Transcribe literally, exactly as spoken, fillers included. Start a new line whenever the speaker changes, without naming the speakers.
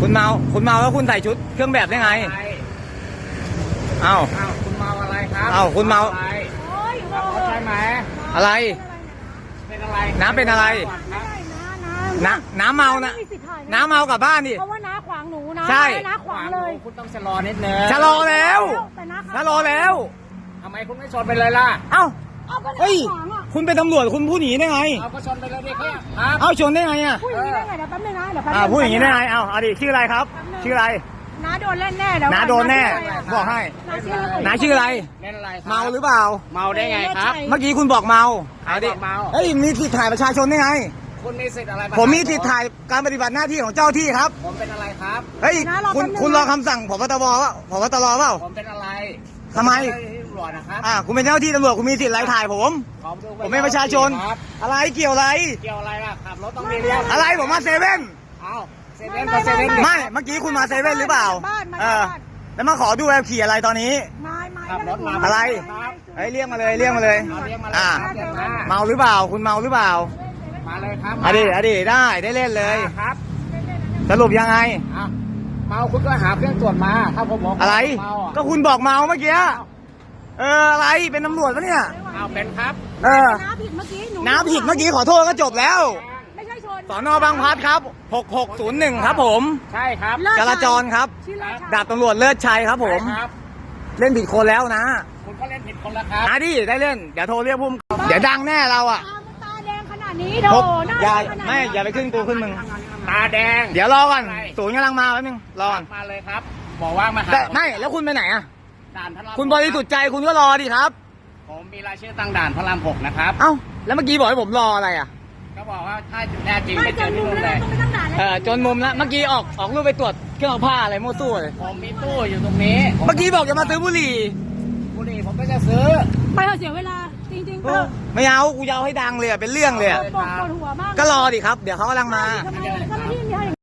คุณเมาคุณเมาแล้วคุณใส่ชุดเครื่องแบบได้ไงเอ้า
อ้าวคุณเมาอะไรครับ
เอ้าคุณเมา
อะไรใช่ไหม
อะไร
เป็นอะไร
น้ำเป็นอะไร น้ำน้ำเมานะน้ำเมากลับบ้านดิ
เพราะว่าน้าขวางหนูนะ
ใช่
น้าขวางเลย
คุณต้องชะลอนิดนึง
ชะลอแล้ว
แต่น้า
ชะลอแล้ว
ทำไมคุณไม่ชนไปเลยล่ะ
เอ้า
เอาก็น้า
เฮ้ย
ขวางอ่ะ
คุณเป็นตำรวจคุณพูดอย่างนี้ได้ไง
เอาก็ชนไปเลยดิครับครับ
เอ้าชนได้ไงอ่ะ
พูดอย่างนี้ได้ไงเดี๋ยวแป๊บนึงนะเดี๋ยวแป๊บนึ
อ่าง พูดอย่างนี้ได้ไงเอ้าเอาดิชื่ออะไรครับ ชื่ออะไร
น้าโดนเล่นแน่เดี๋ยว
น้าโดนแน่ บอกให้
น้าชื่ออะไร
น้าชื่ออะไร
เล่นอะไรครับ
เมาหรือเปล่า
เมาได้ไงครับ
เมื่อกี้คุณบอกเมาเอาดิ
บอกเมา
เฮ้ยมีสิทธิ์ถ่ายประชาชนได้ไง
คุณมีสิทธิ์อะไร
ผมมีสิทธิ์ถ่ายการปฏิบัติหน้าที่ของเจ้าที่ครับ
ผมเป็นอะไรครับ
เฮ้ยคุณคุณรอคำสั่งผบตรว่าผบตรเปล่า
ผมเป็นอะไร
ทำไม
ผเป็นเจ้าหน้าที่ตำรวจนะครับ
อ่าคุณเป็นเจ้าหน้าที่ตำรวจคุณมีสิทธิ์อะไรถ่ายผม
ขอดูใบ
ผมเป็นประชาชน
ครับ
อะไรเกี่ยวอะไร
เกี่ยวอะไรล่ะขับรถต้องมีเรื่อง
อะไรผมมาเซเว่น
เอาเซเว่นก็เซเว่นดิ
ไม่เมื่อกี้คุณมาเซเว่นหรือเปล่า
บ้านมา
เออ
บ้าน
แล้วมาขอดูแอบขี่อะไรตอนนี้
มามา
ขับรถมา
อะไร
ครับ
เฮ้ยเรียกมาเลยเรียกมาเลย
เอาเรียกมาเลย
อ่า
ครับเรียกมา
เมาหรือเปล่า คุณเมาหรือเปล่า
มาเลยครับ
อะดีอะดีได้ได้เล่นเลย
ครับ
สรุปยังไง
อ้าวเมาคุณก็หาเครื่องตรวจมาถ้าผมบอก
อะไร
เมาอ่ะ
ก็คุณบอกเมาเมื่อกี้เอออะไรเป็นตำรวจปะเนี่ย
เอาเป็นครับ
เออ
น้าผิดเมื่อกี้หนู
น้ำผิดเมื่อกี้ขอโทษก็จบแล้ว
ไม่ใช่ชน
สอนอบางพลัดครับหกหกศูนย์หนึ่งครับผม
ใช่ครับ
เลิศ
จราจรครับ
ชื่อเลิศชัย
ดาบตำรวจเลิศชัยครับผม
ใช่ครับ
เล่นผิดคนแล้วนะ
คุณก็เล่นผิดคนละครับ
อ่ะดิได้เล่นเดี๋ยวโทรเรียกพุ่มเดี๋ยวดังแน่เราอ่ะ
ตาตาแดงขนาดนี้โด
พก
หน้า
อย่า
แดงขนาดนี้
ไม่อย่าไปขึ้นกูขึ้นมึง
ตาแดง
เดี๋ยวรอก่อนศูนย์กำลังมาแป๊บนึงรอก่อน
มาเลยครับ บอกว่ามาหา
แต่ไม่แล้วคุณไปไหนอ่ะ
ด่านพระราม
คุณบริสุทธิ์ใจคุณก็รอดิครับ
ผมมีรายชื่อตั้งด่านพระรามหกนะครับ
เอ้าแล้วเมื่อกี้บอกให้ผมรออะไรอ่ะ
ก็บอกว่าถ้าแน่จริง
ไม่
ไป
จ
เจอน ที่
มุม
นู่น
แล้ว
เลย
ต้องไปตั้งด่านเลย
เออจนมุมแล้วเมื่อกี้ออกออกรูปไปตรวจเครื่องเอาผ้าอะไรมั่วตู้เลย
ผมมีตู้อยู่ตรงนี้
เมื่อกี้บอกจะมาซื้อบุหรี่
บุหรี่ผมก็จะซื้อ
ไปเถอะเสียเวลาจริงๆเถอะ
ไม่เอากูจะเอาให้ดังเลยอะเป็นเรื่องเลยอะ
ปวดหัวมาก
ก็รอดิครับเดี๋ยวเขากำลังมา
ทำไมเจ้าหน้าที่มีให้